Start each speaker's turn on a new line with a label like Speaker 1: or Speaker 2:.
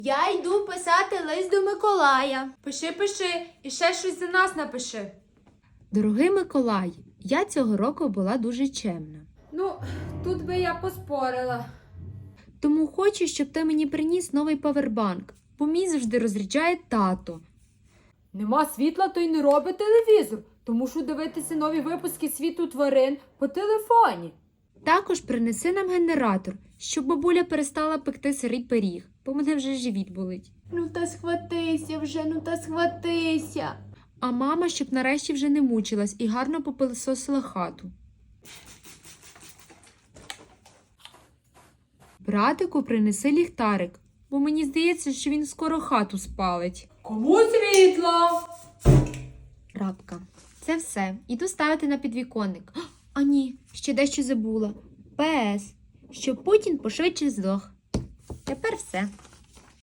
Speaker 1: Я йду писати лист до Миколая.
Speaker 2: Пиши, і ще щось за нас напиши.
Speaker 3: Дорогий Миколай, я цього року була дуже чемна.
Speaker 2: Ну, тут би я поспорила.
Speaker 3: Тому хочу, щоб ти мені приніс новий павербанк, бо мій завжди розряджає тато.
Speaker 2: Нема світла, то й не робить телевізор, тому що дивитися нові випуски «Світу тварин» по телефоні.
Speaker 3: Також принеси нам генератор, щоб бабуля перестала пекти сирий пиріг, бо мене вже живіт болить.
Speaker 1: Ну та схватися вже, ну та схватися.
Speaker 3: А мама, щоб нарешті вже не мучилась і гарно попилисосила хату. Братику, принеси ліхтарик, бо мені здається, що він скоро хату спалить.
Speaker 2: Кому світло?
Speaker 3: Рабка. Це все. Іду ставити на підвіконник. А ні, ще дещо забула. ПС. Щоб Путін пошвидше здох. Тепер все.